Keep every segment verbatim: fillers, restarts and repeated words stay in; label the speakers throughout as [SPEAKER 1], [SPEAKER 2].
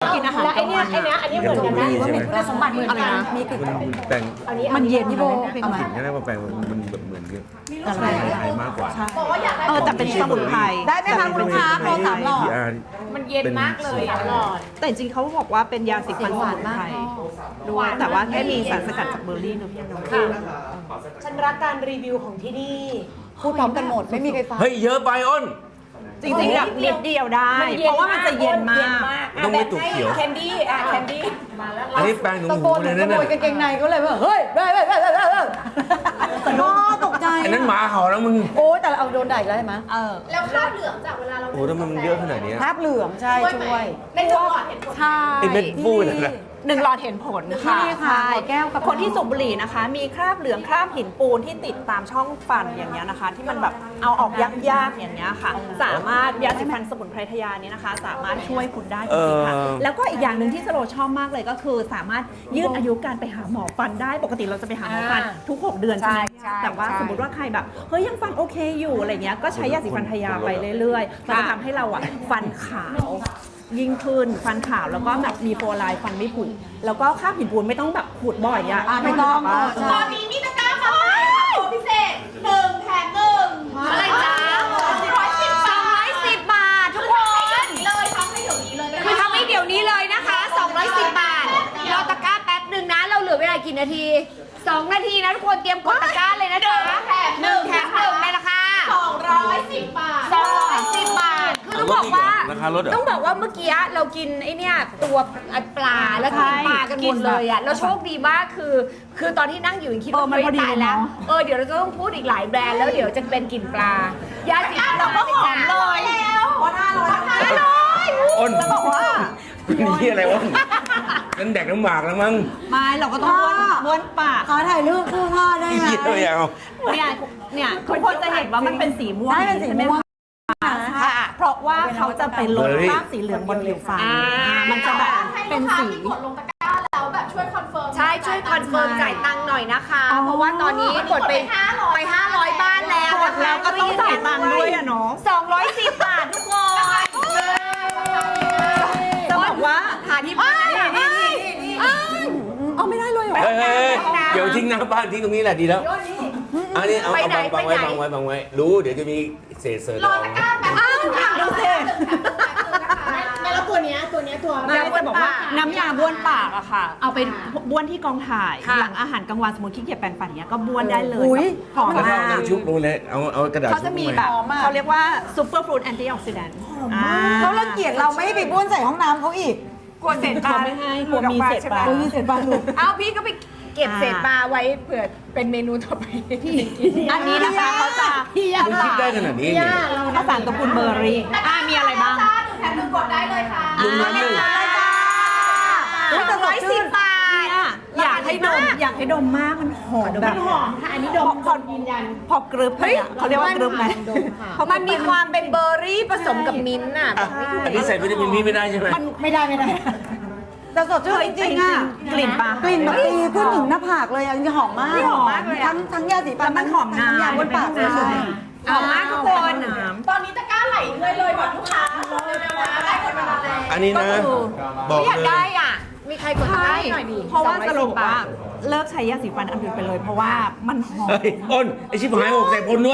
[SPEAKER 1] กินอาหาร
[SPEAKER 2] แล้วไอเนี้ยไอเนี้ยอันนี้เหมือนกันนะว่ามีคุณสมบัติเหมือนกันนะมีกลิ่น
[SPEAKER 3] มันแปลง
[SPEAKER 1] มันเย็นพี่โบ
[SPEAKER 3] กลิ่นแค่นั้นมาแปลงมันมันแบบเหมือนกับสมุนไพรมากกว่า
[SPEAKER 1] เออแต่เป็นสมุนไพร
[SPEAKER 2] ได้ไหมคะคุณลูกค้าโปรสามหลอด
[SPEAKER 3] พี อาร์
[SPEAKER 2] มันเย็นมากเลยสามหลอด
[SPEAKER 1] แต่จริงๆเขาบอกว่าเป็นยาสีฟันสมุนไพรด้วยแต่ว่าแค่มีสารสกัดจากเบอร์รี่เนอะพี่น้อง
[SPEAKER 2] ฉันรักการรีวิวของที่นี่พูดพร้อมกันหมดไม่มีใครฟัง
[SPEAKER 3] เฮ้ยเยอะไปอ้น
[SPEAKER 1] จริงๆแบบนิดเดียวได้ เพราะว่ามันจะเย็นมาก
[SPEAKER 3] ต้องไม่ตุกเขียว
[SPEAKER 2] แคนดี้อ่ะแคนดี้มาแล้ว
[SPEAKER 3] อันนี้แปลงหนู
[SPEAKER 2] ตะ
[SPEAKER 3] ห
[SPEAKER 2] โก
[SPEAKER 3] มู
[SPEAKER 2] น
[SPEAKER 3] เลย
[SPEAKER 2] ข
[SPEAKER 3] นั่น
[SPEAKER 2] โม
[SPEAKER 3] น่ะ
[SPEAKER 2] ยกางเกงในก็เลยว่าเฮ้ยเฮ้ยเฮ้ยเฮ้ยเฮ้ยเฮ้ยโอ้ตกใจ
[SPEAKER 3] อันนั้นหมาเห่าแล้วมึง
[SPEAKER 2] โอ้แต่เอาโดนด่าอีกแล้วใช่ไหม
[SPEAKER 1] เออ
[SPEAKER 4] แล้วคราบเหลืองจากเวลาเรา
[SPEAKER 3] โอ้ทำไมมันเยอะขนาดนี้
[SPEAKER 2] คราบเหลืองใช่ช่วย
[SPEAKER 4] ในจังหวัดเห็นผล
[SPEAKER 2] ใช่
[SPEAKER 3] ไอ้เม็ดฟูนั่นน่ะ
[SPEAKER 1] หนึ่งหลอดเห็นผลค่ะ
[SPEAKER 2] นี่ค่ะ
[SPEAKER 1] ใช่
[SPEAKER 2] หัวแก้วกับ
[SPEAKER 1] คนที่สูบบุหรี่นะคะ มีคราบเหลืองคราบหินปูนที่ติดตามช่องฟันอย่างเงี้ยนะคะ ที่มันแบบเอาออกยากๆอย่างเงี้ยค่ะ สามารถยาสีฟันสมุนไพรทยานี้นะคะ สามารถช่วยคุณได้จริงๆค่ะ
[SPEAKER 3] เออ
[SPEAKER 1] แล้วก็อีกอย่างหนึ่งที่สโลชอบมากเลยก็คือ สามารถยืดอายุการไปหาหมอฟันได้ปกติเราจะไปหาหมอฟันทุกหกเดือนใช่ไหม
[SPEAKER 2] ใช่
[SPEAKER 1] แต่ว่า
[SPEAKER 2] ใช่
[SPEAKER 1] สมมติว่าใครแบบเฮ้ยยังฟันโอเคอยู่อะไรเงี้ยก็ใช้ยาสีฟันทยาไปเรื่อยๆมันจะทำให้เราอ่ะฟันขาวยิ่งขึ้นฟันขาวแล้วก็แบบมีโฟไลน์ฟันไม่ผุแล้วก็คราบหินปูนไม่ต้องแบบขูดบ่อยอะ
[SPEAKER 2] อ่ะไม่ต้อง
[SPEAKER 1] แบบว่า
[SPEAKER 4] ตอนนี้มีตะกร้ามาใหม่ค่ะโปรพิเศษหนึ่งแถมหนึ่งอะไรจ๊ะร้อยสิบบาท
[SPEAKER 5] สองร้อยสิบบาททุกคน
[SPEAKER 4] เลยทำให้เดี๋ยวนี้เลยนะ
[SPEAKER 5] คือทำให้เดี๋ยวนี้เลยนะคะสองร้อยสิบบาทรอตะกร้าแป๊บหนึ่งนะ เราเหลือเวลากี่นาทีสองนาทีนะทุกคนเตรียมกดตะกร้าเลยนะจ๊ะ
[SPEAKER 4] แถม
[SPEAKER 5] หนึ่งแถมหนึ่งในราคา
[SPEAKER 4] สองร้อยสิบบาท
[SPEAKER 5] สองร้อยสิบบาท คือต้องบอกว่า
[SPEAKER 3] ราคาลดเหรอ
[SPEAKER 5] ต้องบอกว่าเมื่อกี้เรากินไอ้เนี่ยตัวปลาแล้วกินปลากันหมดเลยอ่ะแล้วโชคดีมากคือ คือตอนที่นั่งอยู่ยังคิดว่า
[SPEAKER 1] เออมันพอดี
[SPEAKER 5] ตายแล้ว
[SPEAKER 1] เนอะ
[SPEAKER 5] เออเดี๋ยวเราจะต้องพูดอีกหลายแบรนด์แล้วเดี๋ยวจะเป็นกลิ่นปลายาสีฟันเราก็หอมเลย
[SPEAKER 2] วันห้าร้อย
[SPEAKER 5] อร่อย
[SPEAKER 3] อ้น
[SPEAKER 1] จะบอกว่า
[SPEAKER 3] นี่ที่อะไรวะนั่นแดกน้ำหมากแล้วมั้ง
[SPEAKER 1] ไม่เราก็ต้องบ้วนบ้วนปาก
[SPEAKER 2] ขอถ่ายรูปคู่พ่อได้ไหม
[SPEAKER 3] เหี้ยไม่เอา
[SPEAKER 1] เนี่ยเนี่ยทุกคนจะเห็นว่ามันเป็นสีม่วง
[SPEAKER 2] ใช่เป็นสีม่วง
[SPEAKER 1] ค่ะเพราะว่าเขาจะไปลดคราบสีเหลืองบนผิวฟัน
[SPEAKER 5] อ่า
[SPEAKER 1] มันจะแบบ
[SPEAKER 4] ให้
[SPEAKER 1] เป็
[SPEAKER 4] ลู
[SPEAKER 1] น
[SPEAKER 4] กค้า
[SPEAKER 1] สี
[SPEAKER 4] ที่กดลงตะกร้าแล้วแบบช่วยคอนเฟิร์ม
[SPEAKER 5] ใช่ช่วยคอนเฟิร์มจ่ายตังค์หน่อยนะคะ
[SPEAKER 1] อ๋อ
[SPEAKER 5] เพราะว่าตอนนี้กดไปไปห้าร้อยบ้านแล้ว
[SPEAKER 1] กดแล้วก็ต้องจ่ายตังค์ด้วยอะเนาะ
[SPEAKER 5] สองร้อยสิบบาททุกคน
[SPEAKER 1] จะบอกว่า
[SPEAKER 5] หาที่บ้าน
[SPEAKER 1] นี่นี่นี่เอาไม่ได้เลยเหรอ
[SPEAKER 3] เฮ้ยเฮ้ยเดี๋ยวทิ้งหน้าบ้านทิ้งตรงนี้แหละดีแล้วอันนี้เอาเอาบังบังไว้บังไว้บังไว้รู้เดี๋ยวจะมีเศษเศษ
[SPEAKER 4] รอตะกร้าแป๊บ
[SPEAKER 1] อ้าวดูสิ
[SPEAKER 4] ไม่แล้วตัวเนี้ยตัวเนี้ยตัว
[SPEAKER 1] ไม่จะบอกว่าน้ำยาบ้วนปากอะค่ะ เอาไปบ้วนที่กองถ่าย หลังอาหารกลางวันสมมติขี้เกียจแปรงฟันเนี้ยก็บ้วนได้เลย
[SPEAKER 2] อุ๊ย
[SPEAKER 1] หอม
[SPEAKER 3] แล้วก็
[SPEAKER 1] มา
[SPEAKER 3] เอา
[SPEAKER 1] ก
[SPEAKER 3] น้ำชุบลงเลยเอาเอากระดาษ
[SPEAKER 1] เขาจะมีแบบ
[SPEAKER 2] หอมมาก
[SPEAKER 1] เขาเรียกว่าซูเปอร์ฟรุตแอนตี้ออกซิแดนต์
[SPEAKER 2] เขารังเกียจเราไม่ให้ไปบ้วนใส่ห้องน้ำเขาอีก
[SPEAKER 1] กลัวเศษปลาไม่ให้กลัวมีเศษปลา
[SPEAKER 2] โอ้ยเสร็จบ้านลูก
[SPEAKER 5] เอาพี่ก็ไปเก็บเศษปลาไว้เผื่อเป็นเมนูต่อไปพี่กิน
[SPEAKER 1] อันนี้นะคะเขาจะ
[SPEAKER 3] มึงคิดได้ขนาดนี้เนี่ย
[SPEAKER 1] ข้าวสารตระกูลเบอร์รี่อ่ามีอะไรบ้าง
[SPEAKER 4] จ้าหนึ่งแถมหนึ่งกดได้เลยค่ะ
[SPEAKER 3] หนึ่งน้ำหนึ่ง
[SPEAKER 5] สองร้อยสิบบาท
[SPEAKER 1] เนี่ยอยากให้ดมอยากให้ดมมากมันหอมแบบหอมค่ะอันนี้ดมพอยืนยันพอกรึบไปอ่ะเขาเรียกว่ากรึบไหม
[SPEAKER 5] เพราะมันมีความเป็นเบอร์รี่ผสมกับมิ้นท์น่ะ
[SPEAKER 3] อ่ะอันนี้ใส่วิตามินพี่ไม่ได้ใช่ไหม
[SPEAKER 2] มันไม่ได้ไม่ได้แต่สดชื่นจริงๆอ่ะ
[SPEAKER 1] กลิ่นปลาก
[SPEAKER 2] ลิ่นแบบตีขึ้นถึงหน้าผากเลยอ่ะหอมมาก
[SPEAKER 1] หอมมากเลยอะ
[SPEAKER 2] ทั้งทั้งยาสีฟั
[SPEAKER 1] แล้
[SPEAKER 2] น
[SPEAKER 1] วมันหอมนาน
[SPEAKER 2] ทั้งยาบนปากเลย
[SPEAKER 1] ใช่
[SPEAKER 5] เอามากทุกคน
[SPEAKER 4] ตอนนี้ตะกร้าไหลเรื่อยเลยก่อนลูกค้าเร็วๆนะได้คนเวลาแล้ว
[SPEAKER 3] อันนี้นะบอก
[SPEAKER 5] ไม่อยาก
[SPEAKER 3] เลย
[SPEAKER 5] ได้อ่ะ มีใครกดได้หน่อยดิ
[SPEAKER 1] เพราะว่า
[SPEAKER 5] สอง
[SPEAKER 1] ส
[SPEAKER 5] ร้อย
[SPEAKER 1] รุ
[SPEAKER 5] สิ
[SPEAKER 1] ป
[SPEAKER 5] บ
[SPEAKER 1] ว่า
[SPEAKER 5] บาท
[SPEAKER 1] เลิกใช้ยาสีฟันอันอื่นไปเลย เพราะว่ามันหอม
[SPEAKER 3] เฮ้ยอ้นไอชิบหายหกใส่พลด้วย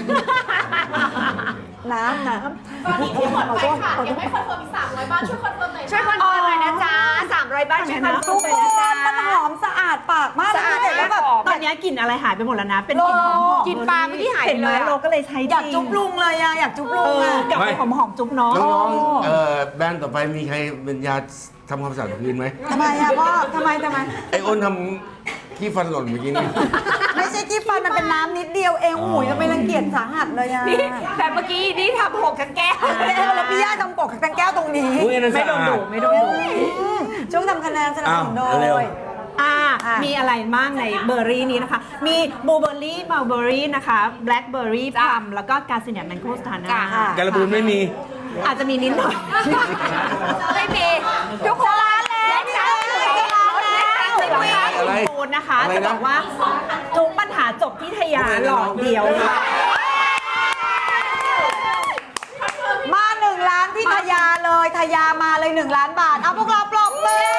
[SPEAKER 2] น้ำน้
[SPEAKER 4] ตอนนี้ที่หมดไปค่ะยังไม่คอนเฟิร์มอีกสามร้อยบ้านช่วยคอนเฟิร์มหน่อย
[SPEAKER 5] ช่วยคอนเฟิร์มหน่อยนะจ๊ะสามร้อยบาทช่วยคอน
[SPEAKER 2] ำ
[SPEAKER 5] เฟิ
[SPEAKER 2] ทุ
[SPEAKER 5] ร์
[SPEAKER 2] ก
[SPEAKER 5] ม
[SPEAKER 2] ค
[SPEAKER 5] หน่อยนะจ๊ะ
[SPEAKER 2] นมันหอมสะอาดปากมาก
[SPEAKER 5] สะอาด
[SPEAKER 2] เลยแล้วแบบ
[SPEAKER 1] ตอนนี้กลิ่นอะไรหายไปหมดแล้วนะ เป็นกลิ่นหอมๆ
[SPEAKER 5] กลิ่นปลาเมื่อกี้หายไป
[SPEAKER 1] เห็นไหม
[SPEAKER 5] เลยอะ
[SPEAKER 1] เราก็เลยใช้
[SPEAKER 2] อยากจุ๊บลุงเลยอะอยากจุ๊บลุ
[SPEAKER 1] เอง อ
[SPEAKER 2] อะ
[SPEAKER 1] กลับไปหอมๆจุ๊บน้อง
[SPEAKER 3] น้องๆเอ่อแบรนด์ต่อไปมีใครเป็นยาทำความสะอาดพื้นไหม
[SPEAKER 2] ทำไมอะพ่อทำไมทำไม
[SPEAKER 3] ไออ้นทำขี้ฟันหล่นเมื่อกี้นี่
[SPEAKER 2] ไม่ใช่ที่ฟันมันเป็นน้ำนิดเดียวเองหูยจะไปรังเกียจสาหัสเลยอะ
[SPEAKER 5] นี่แต่เมื่อกี้นี่ทำหกกันแก้ว
[SPEAKER 2] แล้วแล้วพี่ย่าทำปกแตงแก้วตรงนี้
[SPEAKER 3] อุ้ยอันนั้น
[SPEAKER 1] ไม่
[SPEAKER 3] สะ
[SPEAKER 1] โดน
[SPEAKER 3] อา
[SPEAKER 1] ดุ
[SPEAKER 3] ด
[SPEAKER 1] ไม่โดนดุ
[SPEAKER 2] อืมช่วงทำคะแนนสนับสนุนโด
[SPEAKER 3] อ้าวเร็ว
[SPEAKER 2] ย
[SPEAKER 1] อ่า
[SPEAKER 2] อ่ะ
[SPEAKER 1] มีอะไรบ้างในเบอร์รี่นี้นะคะ มีบลูเบอร์รี่มัลเบอร์รี่นะคะแบล็คเบอร์รี่พลัมแล้วก็กาซิเนียแมงโกสตาร์นา
[SPEAKER 2] ค่ะ
[SPEAKER 3] การะบูนไม่มี
[SPEAKER 1] อาจจะมีนิดหน่อย
[SPEAKER 5] ไม่มีทุกคนร้านแล้ว
[SPEAKER 1] จ้า
[SPEAKER 3] อะไร
[SPEAKER 1] ปูนนะคะ
[SPEAKER 3] อะไรนะ
[SPEAKER 1] จะบอกว่าทุกปัญหาจบที่ทยาหลอดเดียวค่ะ
[SPEAKER 2] มาหนึ่งล้านที่ทยาเลยททยามาเลยหนึ่งล้านบาท เอาพวกเราปรบมือ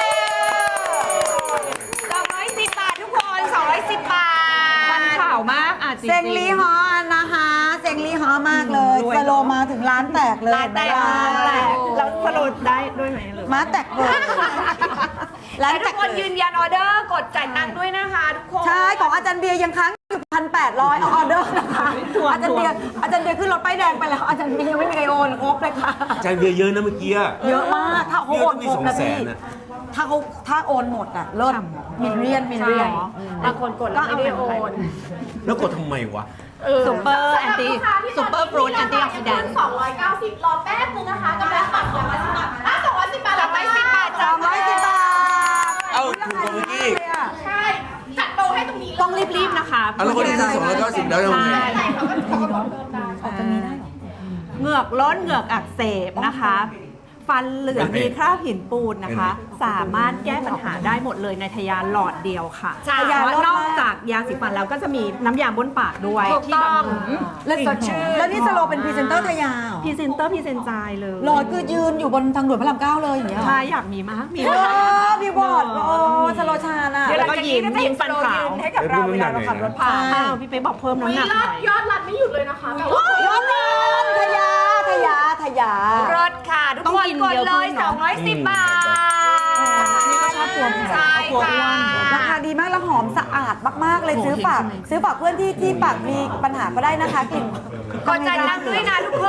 [SPEAKER 5] สองร้อยสิบบาททุกคนสองร้อยสิบบาท
[SPEAKER 1] ฟันข่าวมากอ่ะจริงๆ
[SPEAKER 2] เซงลีฮอนะคะเซงลีฮอมากเลย
[SPEAKER 1] รวย
[SPEAKER 2] สโลมาถึงล้านแตกเลย
[SPEAKER 5] ล้านแตก
[SPEAKER 2] ล้านแตก
[SPEAKER 1] แล้วสรุปได้ด้วยไหมหรือ
[SPEAKER 2] ม้าแตกเลยล้าน
[SPEAKER 5] และ
[SPEAKER 2] แต
[SPEAKER 5] ทุก
[SPEAKER 2] ก
[SPEAKER 5] คนยืนยันออเดอร์กดจ่ายตังค์ด้วยนะคะทุกคน
[SPEAKER 2] ใช่ของอาจารย์เบียร์ยังค้างอยู่พันแปดร้อยออเดอร์นะคะอาจารย์เบียร์อาจารย์เบียร์ขึ้นรถป้ายแดงไปแล้วอาจารย์เบียร์ยังไม่มีใครโอนครบเลยค่ะ
[SPEAKER 3] ใจเบียร์เยอะนะเมื่อกี้อะ
[SPEAKER 2] เยอะมากถ้าเขาโอนครบนะ
[SPEAKER 3] เยอะต้องมีสองแส
[SPEAKER 2] พี่
[SPEAKER 3] นน่ะ
[SPEAKER 2] ถ้าเขาถ้าโอนหมดอ่ะเลิศมิลเลียนมิลเลียน
[SPEAKER 5] บางคนกดแล้วไม่ได้โอน
[SPEAKER 3] แล้วกดทำไมวะ
[SPEAKER 1] ซูเปอร์แอนตี้ซูเปอร์ฟรุตแอนตี้ออกซิแดนต์
[SPEAKER 4] สองร้อยเก้าสิบรอแป๊บนึงนะคะกำลังปัดสองร้อยสิบบาทอ่ะสองร้อยสิบบาท
[SPEAKER 5] สองร้อยสิบบาท
[SPEAKER 2] สองร้อยสิบบาท
[SPEAKER 3] เอ้าถูกกว่าเมื่อกี้
[SPEAKER 4] ใช่จัดโปรให้ตรงนี้เลย
[SPEAKER 1] ต้องรีบๆนะคะ
[SPEAKER 3] เอาแล้วคนที่ซื้อสองร้อยเก้าสิบแล้วทำไง
[SPEAKER 4] ใช่เขาก็เขาก็บอกเพิ่มได้
[SPEAKER 2] ออกจากนี้ได้เหรอ
[SPEAKER 1] เหงือกล้นเหงือกอักเสบนะคะ ฟันเหลืองมีคราบหินปูนนะคะ สามารถแก้ปัญหาได้หมดเลยในทยาหลอดเดียวค่ะ
[SPEAKER 5] ใช่
[SPEAKER 1] เพราะว่านอกจากยาสีฟันแล้วก็จะมีน้ำยาบนปากด้วย
[SPEAKER 5] ถูก
[SPEAKER 1] ที่
[SPEAKER 5] ต้
[SPEAKER 1] แบ
[SPEAKER 5] อง
[SPEAKER 1] บ
[SPEAKER 2] แล้วสดชื่นแล้วนี่สโลเป็นพรีเซนเตอร์ทยาเหรอ
[SPEAKER 1] พรีเซนเตอร์พรีเซนจายเลย
[SPEAKER 2] หลอดคือยืนอยู่บนทางด่วนพระรามเก้าเลยอย่างเงี้ยเหรอ
[SPEAKER 1] ใช่อยากมีมากมี
[SPEAKER 2] เอ
[SPEAKER 1] มาก
[SPEAKER 2] อพี่บอดโอ้สโลชาญอ่ะ
[SPEAKER 1] แล้วก็ยิ้มยิ้มฟันขาว
[SPEAKER 5] ให้กับเราเวลาเราขับรถผ่าน
[SPEAKER 1] อ้าวพี่เป๊กบอกเพิ่ม
[SPEAKER 4] อุ๊ย
[SPEAKER 1] น้ำหนัก
[SPEAKER 4] ย
[SPEAKER 1] ห
[SPEAKER 4] อ
[SPEAKER 1] น่
[SPEAKER 4] ด
[SPEAKER 1] อย
[SPEAKER 4] ยอดรันไม่หยุดเลยนะคะแบบว่า
[SPEAKER 2] ยอดเลยทยาทยาทยาร
[SPEAKER 5] ถค่ะทุก
[SPEAKER 1] ต้อง
[SPEAKER 5] คน
[SPEAKER 1] กิน
[SPEAKER 5] กด
[SPEAKER 1] เยอะ
[SPEAKER 5] เล
[SPEAKER 1] ขึ้
[SPEAKER 5] ย
[SPEAKER 1] นเนอะ
[SPEAKER 5] สองร้อยสิบบาท
[SPEAKER 1] นี่ก็ชอบกลัว
[SPEAKER 5] ใช่
[SPEAKER 1] กลัว
[SPEAKER 5] ค่ะ
[SPEAKER 1] อ้วน
[SPEAKER 2] ราคาดีมากแล้วหอมสะอาดมากๆเลย
[SPEAKER 1] โอ้โห
[SPEAKER 2] ซื้อฝาก
[SPEAKER 1] เห็นใช่ไหม
[SPEAKER 2] ซื้อฝากเพื่อนที่ที่ปากมีปัญหาก็ได้นะคะกลิ่น
[SPEAKER 5] กดจ่ายตังค์ด้วยนะทุกคน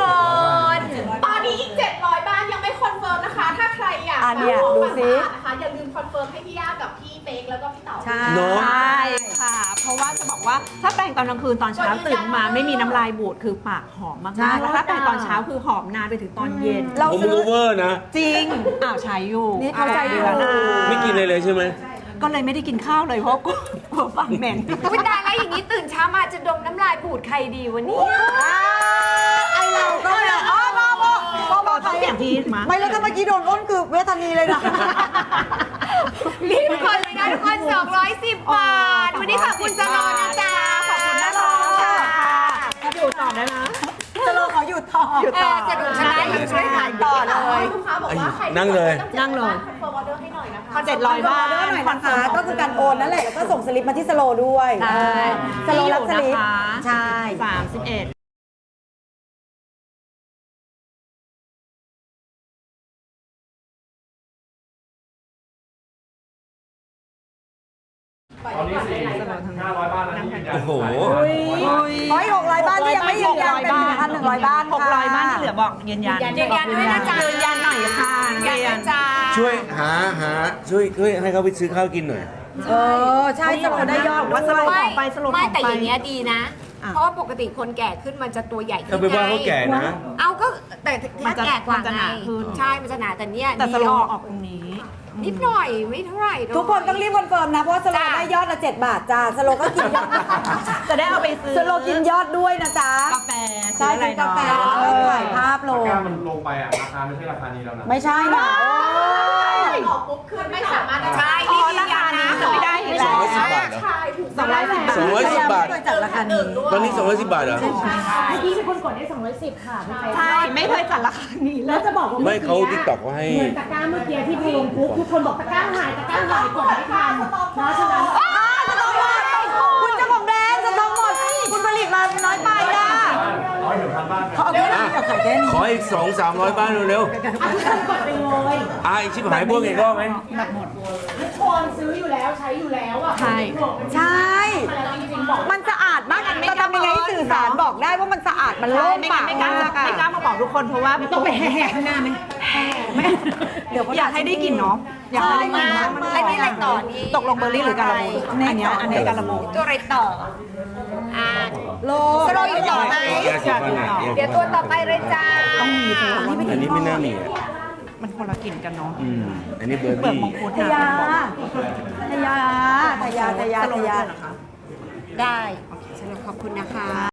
[SPEAKER 4] ตอนนี้อีกเจ็ดร้อยบ้านยังไม่คอนเฟิร์มนะคะ ถ้าใครอยาก
[SPEAKER 2] อ่ะเนี่ยดูสิ
[SPEAKER 4] นะคะอย่าลืมคอนเฟิร์มให้พี่ย่ากับพี่เป๊กแล้วก็พี่เต๋า
[SPEAKER 2] ใช่
[SPEAKER 3] เนอะ
[SPEAKER 1] ใช่ค่ะ เพราะว่าจะบอกว่าถ้าแปรงตอนกลางคืนตอนเช้าตื่นมาไม่มีน้ำลายบูดคือปากหอมมากๆแล้วถ้าแปรงตอนเช้าคือหอมนานไปถึงตอนเย็น
[SPEAKER 2] เรา
[SPEAKER 3] ผม
[SPEAKER 2] ซื้อ
[SPEAKER 3] โอเวอร์นะ
[SPEAKER 1] จริงอ้าวใช้อยู่
[SPEAKER 2] นี่เขาใจอยู่
[SPEAKER 3] ไม่กินเลยเลยใช่ไหม
[SPEAKER 1] ก็เลยไม่ได้กินข้าวเลยเพราะกลัวกลัวฟันเหม็น
[SPEAKER 5] อุ้ยตายแล้วอย่างนี้ตื่นเช้ามาจะดมน้ำลายบูดใครดีวันนี้
[SPEAKER 2] ไอเราก็เลยอ๋อมาบอกบอก
[SPEAKER 1] ต้องเปลี่ยนพีทมา
[SPEAKER 2] ไม่แล้วถ้าเมื่อกี้โดนอ้นคือเวทนีเลยนะ
[SPEAKER 5] รีบกดเลยนะทุกคนสองร้อยสิบบาท วันนี้ขอบคุณสโลนะจ๊ะ
[SPEAKER 1] ขอบคุณนะคะถ้าอยู่ต่อได้นะ
[SPEAKER 2] สโลขออยู่ต่อ
[SPEAKER 5] เออสนุกใช่ไหมอยู่ช่วยขายต่อเลย
[SPEAKER 4] ลูกค้าบอกว่าใคร
[SPEAKER 3] นั่งเลย
[SPEAKER 1] นั่งเลย
[SPEAKER 4] คอนเฟิร์มออเดอร์ให้หน่อยนะคะ
[SPEAKER 1] เจ็ดร้อยบาท
[SPEAKER 2] ออเดอร์หน่อยนะคะก็คือการโอนนั่นแหละแล้วก็ส่งสลิปมาที่สโลด้วย
[SPEAKER 1] ใช่
[SPEAKER 2] สโลรับสลิป
[SPEAKER 1] ที่อยู่นะคะ
[SPEAKER 2] ใช่
[SPEAKER 1] สามสิบเอ็ด
[SPEAKER 6] ตอนนี้สี่ห้าร้อยบ้านแล้วที่ยืนยัน
[SPEAKER 3] โอ้โห
[SPEAKER 2] ร้อยหกร้อยบ้านที่ยังไม่ยืนยันเป็นหนึ่งพันหนึ่งร้อยบ้าน
[SPEAKER 1] หกร้อยบ้านที่เหลือบอกยืนยัน
[SPEAKER 5] ยืนยันด้วยนะจ๊ะ
[SPEAKER 1] ยืนยันหน่อยค่ะ
[SPEAKER 5] ยืนยันด้วยจ้า
[SPEAKER 3] ช่วยหาหาช่วยช่วยให้เขาไปซื้อข้าวกินหน่อย
[SPEAKER 2] เออใช่สโลได้ยอด
[SPEAKER 1] ว่าสโล
[SPEAKER 2] ด้วย
[SPEAKER 1] ของไปสโล
[SPEAKER 5] ไม่
[SPEAKER 1] ของ
[SPEAKER 5] แต่
[SPEAKER 1] ไป
[SPEAKER 5] อย่างเงี้ยดีนะ
[SPEAKER 1] อ่ะ
[SPEAKER 5] เพราะว่าปกติคนแก่ขึ้นมันจะตัวใหญ่ขึ้น
[SPEAKER 3] ถ้าไปว่าเขาแก่นะ
[SPEAKER 5] เอาก็แต่
[SPEAKER 1] มั
[SPEAKER 5] ถ้าน
[SPEAKER 1] จะ
[SPEAKER 5] แก่กว่า
[SPEAKER 1] มันจะ
[SPEAKER 5] ไง
[SPEAKER 1] หนาขึ้น
[SPEAKER 5] ใช่ มันจะหนาแต่เนี้ย
[SPEAKER 1] แต่ส
[SPEAKER 5] ดี
[SPEAKER 1] โล
[SPEAKER 5] ออก
[SPEAKER 1] ออกตรงนี้
[SPEAKER 5] นิดหน่อยไม่เท่าไหร่ด้วย
[SPEAKER 2] ทุกคนต้องรีบคอนเฟิร์มนะ เพราะว่าสโล
[SPEAKER 5] จ้ะ
[SPEAKER 2] ได้ยอดละเจ็ดบาทจ้าสโลก็กินยอด
[SPEAKER 1] จะได้เอาไปซื้อ
[SPEAKER 2] สโลกินยอดด้วยนะจ๊ะ
[SPEAKER 1] กาแฟ
[SPEAKER 2] ใช่
[SPEAKER 1] ซื้ออะไร
[SPEAKER 2] กินกาแฟ
[SPEAKER 1] เนาะ
[SPEAKER 2] แล้วก็ถ่ายภาพล
[SPEAKER 6] ตะ
[SPEAKER 2] ง
[SPEAKER 6] กร้ามันลงไปอ่ะ ราคาไม่ใช่ราคานี้แล้วนะ
[SPEAKER 2] ไม่ใช่นะ
[SPEAKER 4] ออกปุ๊บคือไม่สามารถ
[SPEAKER 5] ใช่
[SPEAKER 1] อ๋
[SPEAKER 5] รี
[SPEAKER 1] อบ
[SPEAKER 5] ยื
[SPEAKER 1] ราน
[SPEAKER 5] ยั
[SPEAKER 1] คาน นี้
[SPEAKER 5] นะ
[SPEAKER 1] คือไม่ได้อยู่
[SPEAKER 3] สอง
[SPEAKER 1] แล้ว
[SPEAKER 3] ร้อยสิบบาทเหรอ
[SPEAKER 4] ใช่ถูก
[SPEAKER 1] สองร้อยสิบบาท
[SPEAKER 3] สองร้อยสิบบาท
[SPEAKER 2] ไม่เคยจัดราคานี้
[SPEAKER 3] ตอนนี้สองร้อยสิบบาทเหรอ
[SPEAKER 7] พี่เป็นคนกดได้สองร้อยสิบค่ะพี่เป๊ก
[SPEAKER 1] ใช่ไม่เคยจัดราคานี้เล
[SPEAKER 7] แล้ว
[SPEAKER 1] ย
[SPEAKER 7] จะบอกว่า
[SPEAKER 3] ไม่
[SPEAKER 7] เมื่อ
[SPEAKER 3] เขา
[SPEAKER 7] กี้
[SPEAKER 3] ติ๊กต็อกเขาให้
[SPEAKER 7] เหมือนตะกร้าเมื่อกี้ที่พอลงปุ๊บทุกคนบอกตะกร้าหายตะกร้าหายกดไม่ทันนะฉะนั้น
[SPEAKER 2] สต็อกหมดคุณเจ้าของแบรนด์สต็อกหมด คุณผลิตมาน้อยไปอ่ะ
[SPEAKER 6] ร้อยถึงพันบ้าน
[SPEAKER 2] เขาเอาแค่นี้เอาขายแค่นี้
[SPEAKER 3] ขออีกสองสามร้อยบ้านเร็ว
[SPEAKER 7] อ่ะทุกคนกดไปเลย
[SPEAKER 3] ๆอ่ะอีกชิบหายพวกอีกรอบไหม
[SPEAKER 7] ทุกคนซื้ออยู่แล้วใช้อยู่แล้วอ่ะ
[SPEAKER 1] ใช่
[SPEAKER 2] ใช่
[SPEAKER 7] แล้วจริงๆบอก
[SPEAKER 2] มันสะอาดมากจะทำยังไงให้สื่อสารบอกได้ว่ามันสะอาดมันโล่ง
[SPEAKER 1] ไม่
[SPEAKER 2] ปา
[SPEAKER 1] งั้
[SPEAKER 2] ก
[SPEAKER 1] นไม่กล้า
[SPEAKER 2] มากอะ
[SPEAKER 1] ไม่กล้ามาบอกทุกคนเพราะว่า
[SPEAKER 7] ต้องไปแห่ข้างหน้าไหม
[SPEAKER 2] เดี๋ยวเขา
[SPEAKER 1] อยากให้ได้กลิ่นเนาะอยากให้ได้กลิ่น
[SPEAKER 5] มาก
[SPEAKER 1] มัน
[SPEAKER 5] อันนี้อะไรต่อนี่
[SPEAKER 1] ตกลงเบอร์รี่หรือการะบูอันเนี้ยอันเนี้ยการะบู
[SPEAKER 5] ตัวอะไรต่ออ่า
[SPEAKER 2] โล
[SPEAKER 5] สโลอยู่ต่อไหม
[SPEAKER 3] ยาสีฟันอ่ะ
[SPEAKER 5] เดี๋ยวตัวต่อไปเลยจ้า
[SPEAKER 1] ต้องมีเธอ
[SPEAKER 3] อันนี้ไม่น่ามีอ่ะ
[SPEAKER 1] มันคนละกลิ่นกันเนาะ
[SPEAKER 3] อืมอันนี้เบอร์
[SPEAKER 1] เปลือก
[SPEAKER 3] บี้
[SPEAKER 1] มังคุด
[SPEAKER 2] ทยาทยาทยาทยาทยา
[SPEAKER 1] สโลว์ด้วยเหรอคะ
[SPEAKER 5] ได้โอเคสโลขอบคุณนะคะ